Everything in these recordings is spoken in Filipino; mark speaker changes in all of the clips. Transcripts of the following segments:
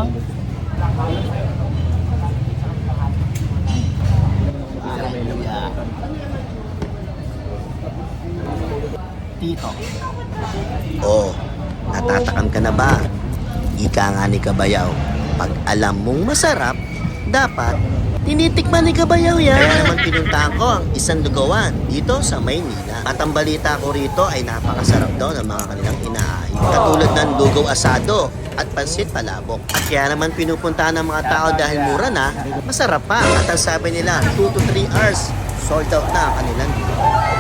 Speaker 1: Tito. Oh, natatakam ka na ba? Ika nga ni Kabayaw, pag alam mong masarap, dapat tinitikman ni Kabayaw yan. Kaya naman pinuntahan ko ang isang lugawan dito sa Maynila. At ang balita ko rito ay napakasarap daw ng mga kanilang inaayos. Katulad ng lugaw asado at pansit palabok. At kaya naman pinupuntahan ng mga tao dahil mura na, masarap pa. At ang sabi nila, 2 to 3 hours, sold out na ang kanilang lugawan.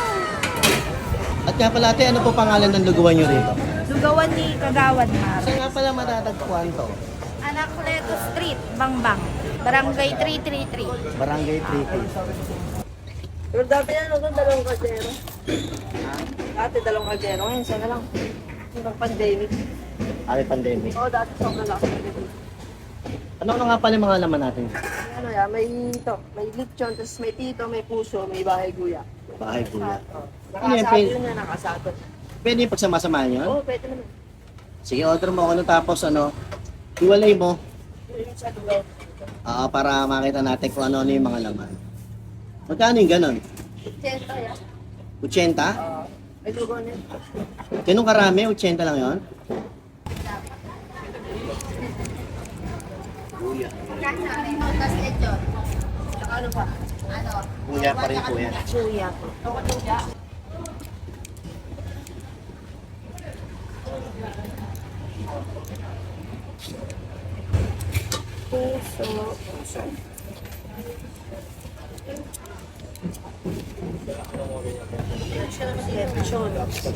Speaker 1: At nga pala ate, ano po pangalan ng lugawan nyo rito?
Speaker 2: Lugawan ni Kagawad Mar.
Speaker 1: Saan nga pala matatagpuan to?
Speaker 2: Anacleto Street, Bangbang. Barangay 333.
Speaker 1: Barangay 33.
Speaker 3: Pero dati yan, dalawang kaldero. Dati dalawang kaldero. Ngayon, isa na lang. Hanggang pandemic.
Speaker 1: Ay, pandemic.
Speaker 3: Oo, dati sobrang lakas.
Speaker 1: Ano nga pala yung mga laman natin?
Speaker 3: Ano yan, may ito, may lechon, tapos may tito, may puso, may bahay guya.
Speaker 1: Bahay kuya. Ano yan,
Speaker 3: Nakasado yun yan, nakasado.
Speaker 1: Pwede yung pagsama-samahan yun?
Speaker 3: Oo, pwede naman.
Speaker 1: Sige, order mo ako tapos iwalay mo.
Speaker 3: Yung sa lugaw.
Speaker 1: Para makita natin kung ano yung mga laman. Magkano yung ganon?
Speaker 3: 80 yan.
Speaker 1: 80?
Speaker 3: May lugaw niya.
Speaker 1: Ganun karami? 80 lang yun?
Speaker 2: Tapos lechon.
Speaker 3: Ano pa?
Speaker 1: Kuya pa rin po yan.
Speaker 2: Suya po.
Speaker 3: Puso. Lechon.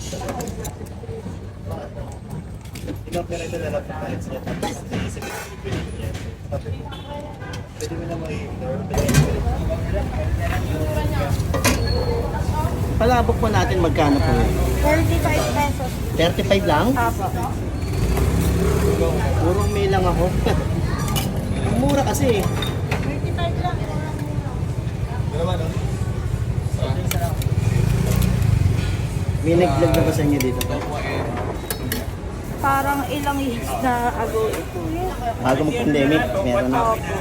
Speaker 4: Ilang pera ito na lang sa kahit siya tapos pwede mo na mag-ignore.
Speaker 1: Palabok po natin magkano po?
Speaker 2: 35 pesos.
Speaker 1: 35 lang?
Speaker 2: Apo.
Speaker 1: Purong may lang ako. Ang mura kasi. May nag-vlog na ba sa inyo dito?
Speaker 2: Parang ilang years na ago ito yun.
Speaker 1: Bago mag-pandemic, meron na.
Speaker 2: Opo.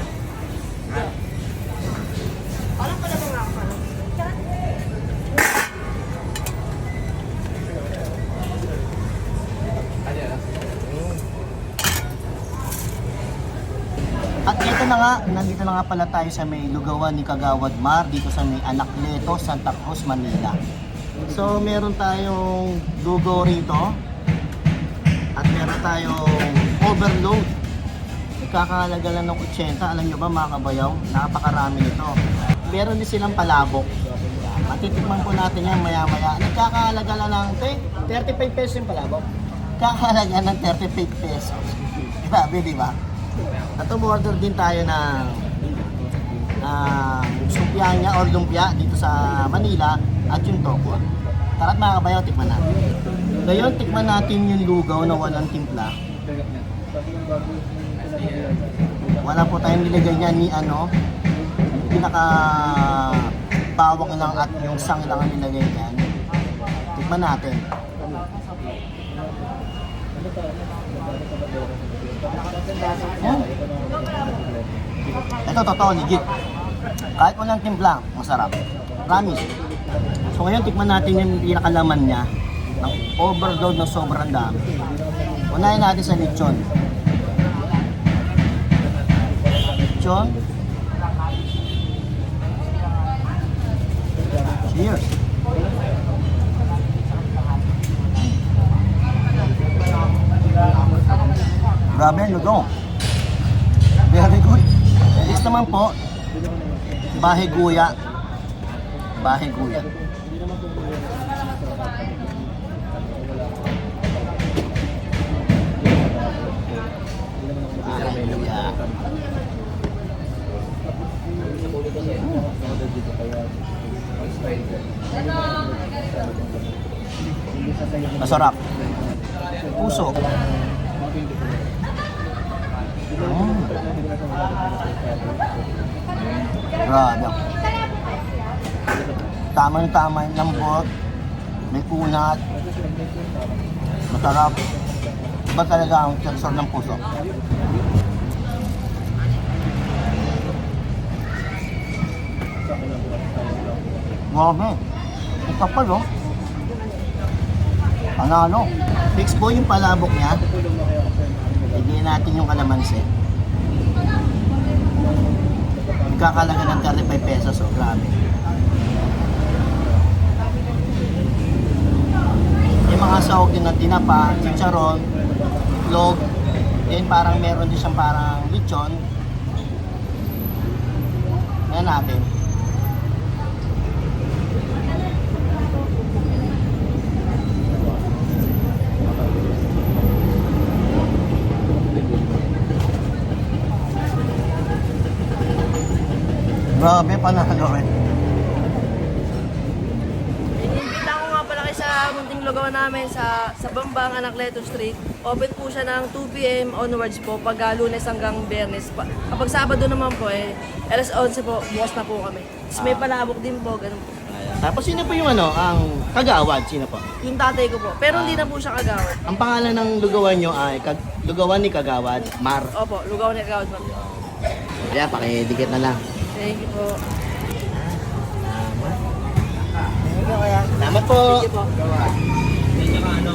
Speaker 1: At ito na nga, nandito na nga pala tayo sa may lugawan ni Kagawad Mar, dito sa may Anacleto, Santa Cruz, Manila. So, meron tayong lugaw rito. At meron tayong overload. Ikakahalaga lang ng 80. Alam nyo ba mga kabayaw? Napakarami nito. Meron din silang palabok. Matitikman po natin yan maya-maya. Nagkakahalaga lang ng 35 pesos yung palabok. Kakahalaga ng 35 pesos. Grabe, di ba? At umorder din tayo ng sumpianya or lumpia dito sa Manila at yung toko. Tara't mga kabayaw, tikman natin. Ngayon, tikman natin yung lugaw na walang timpla. Wala po tayong nilagay niya ni pinaka bawang lang at yung sang lang ang nilagay niyan. Tikman natin. Ito, totoo, legit. Kahit walang timpla, masarap. Promise. So ngayon, tikman natin yung pinakalaman niya. Ng overload ng sobrang dami. Unahin natin sa lechon. Lechon. Cheers. Grabe ang lugaw. Very good. Next naman po, bahay guya. Bahay guya. Masarap. Puso. Grabe. Tama-tama yung lambot. May kunat. Masarap. Iba talaga ang texture ng puso.
Speaker 5: Grabe. Ang kapal, oh. Panalo.
Speaker 1: Fix po yung palabok niya. Bigyan natin yung kalamansi. Magkakalaga ng 35 pesos. Oh, grabe. Yung mga sahog din na tinapa, chicharon, log, then parang meron din siyang parang lechon. Yan natin. Grabe, panalo eh.
Speaker 3: Inimbita ko nga pala kayo sa munting lugawan namin sa Bambang, Anacleto Street. Open po siya ng 2 p.m. onwards po pag Lunes hanggang Biyernes. Kapag Sabado naman po alas 11 po, bukas na po kami. Tapos may palabok din po, ganun po.
Speaker 1: Tapos sino po yung ang kagawad? Sino po?
Speaker 3: Yung tatay ko po. Pero hindi na po siya kagawad.
Speaker 1: Ang pangalan ng lugawan nyo ay lugawan ni Kagawad, Mar.
Speaker 3: Opo, lugawan ni kagawad po.
Speaker 1: Kaya pakidikit na lang.
Speaker 3: Thank you po.
Speaker 1: Salamat po.
Speaker 3: Thank you po.